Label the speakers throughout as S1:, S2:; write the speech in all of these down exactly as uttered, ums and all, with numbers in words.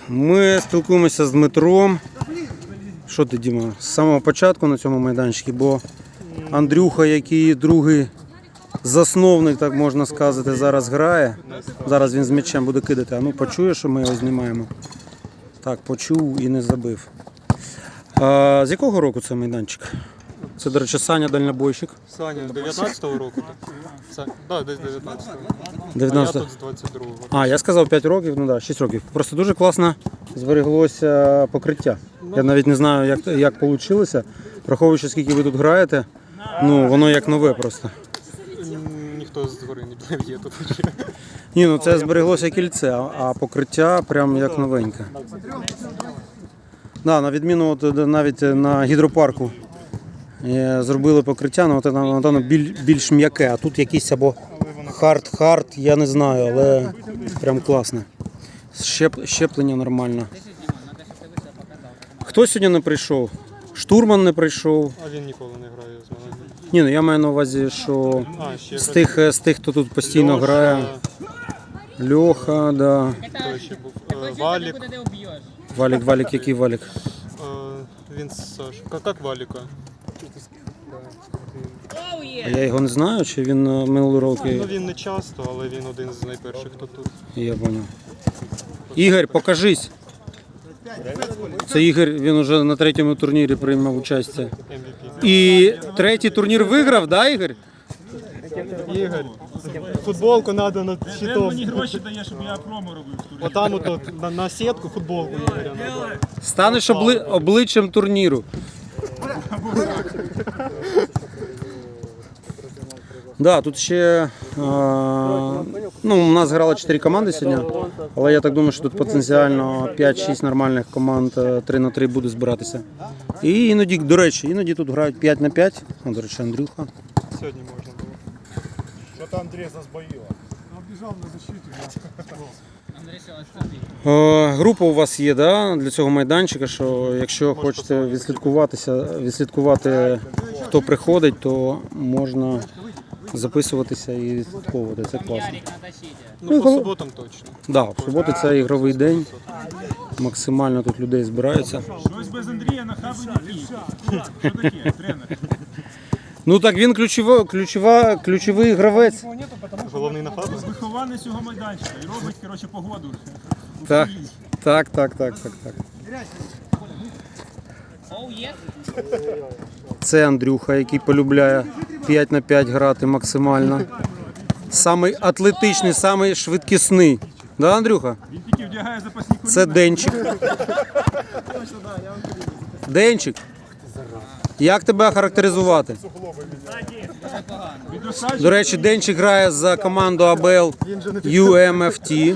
S1: Ми спілкуємося з Дмитром. Що ти, Діма, з самого початку на цьому майданчику, бо Андрюха, який другий засновник, так можна сказати, зараз грає. Зараз він з м'ячем буде кидати. А ну почує, що ми його знімаємо. Так, почув і не забив. А, з якого року це майданчик? Це, до речі, Саня дальнобойщик.
S2: Саня, дев'ятнадцятого року. Так, да, десь дев'ятнадцятого.
S1: дев'ятнадцятого.
S2: А я тут з двадцять другого.
S1: А, я сказав п'ять років, ну так, шість років. Просто дуже класно збереглося покриття. Я навіть не знаю, як, як вийшло. Враховуючи, скільки ви тут граєте, ну, воно як нове просто.
S2: Ніхто з гори не пливє тут.
S1: Ні, ну це збереглося кільце, а- а покриття прям як новеньке. Да, на відміну от, навіть на гідропарку е, зробили покриття, ну, от, воно воно біль, більш м'яке, а тут якийсь або хард-хард, я не знаю, але прям класне. Щеп, щеплення нормально. Хто сьогодні не прийшов? Штурман не прийшов.
S2: А він ніколи не грає з мене.
S1: Ні, ну я маю на увазі, що
S2: А, ще
S1: з тих, з тих, хто тут постійно
S2: Льоша,
S1: грає. Льоха, да.
S2: Хто ще був? Е, Валік.
S1: Валік, Валік, який Валік?
S2: Е, Він з Сашою. Як, як Валіка?
S1: А я його не знаю, чи він е, минулі роки.
S2: Ну він не часто, але він один з найперших, хто тут.
S1: Я понял. Ігор, покажись. Це Ігор, він уже на третьому турнірі приймав участь.
S2: Ем ві пі.
S1: І третій турнір виграв, да, Ігор?
S2: Ігор, футболку треба на
S3: Він
S2: щитом.
S3: мені гроші дає, щоб я промо робив. в турі.
S2: Отам от, от на, на сітку футболку Ігоря надо.
S1: Станеш обли... обличчям турніру. Да, тут ще е, ну, у нас грало чотири команди сьогодні, але я так думаю, що тут потенціально п'ять-шість нормальних команд е, три на три буде збиратися. І іноді, до речі, іноді тут грають п'ять на п'ять. О, до речі, Андрюха.
S2: Сьогодні можна було.
S4: Что-то Андрей засбоило.
S1: Е, група у вас є, да, для цього майданчика, що якщо хочете відслідкуватися, відслідкувати, хто приходить, то можна записуватися і відслідковувати. Це класно.
S2: Ну, по суботам точно.
S1: Да, в суботу це ігровий день. Максимально тут людей збирається.
S3: Щось без Андрія на хабі не пів. Що таке, тренер?
S1: Ну так він ключова, ключова, ключовий гравець.
S2: Головний на фабу.
S3: Вихованець цього майданчика і робить, коротше, погоду.
S1: Так, так, так, так, так, так. Це Андрюха, який полюбляє п'ять на п'ять грати максимально. Самий атлетичний, самий швидкісний. Да, Андрюха?
S3: Він тільки вдягає запасні коліна.
S1: Це Денчик. Денчик. Як тебе характеризувати?
S3: Відросаючи,
S1: До речі, Денчик грає за команду АБЛ ю ем еф ті.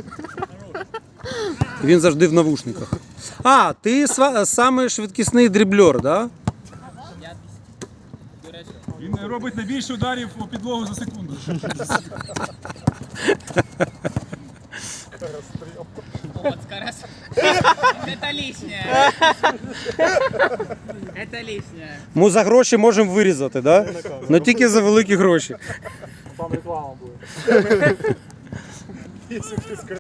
S1: Він завжди в навушниках. А, ти сва- самий швидкісний дріблер, да?
S3: він робить найбільше ударів у підлогу за секунду.
S5: Вот, скорос- Это лишнее. Это лишнее.
S1: Ми за гроші можемо вирізати, да? Ну тільки за великі гроші.
S4: Там реклама будет.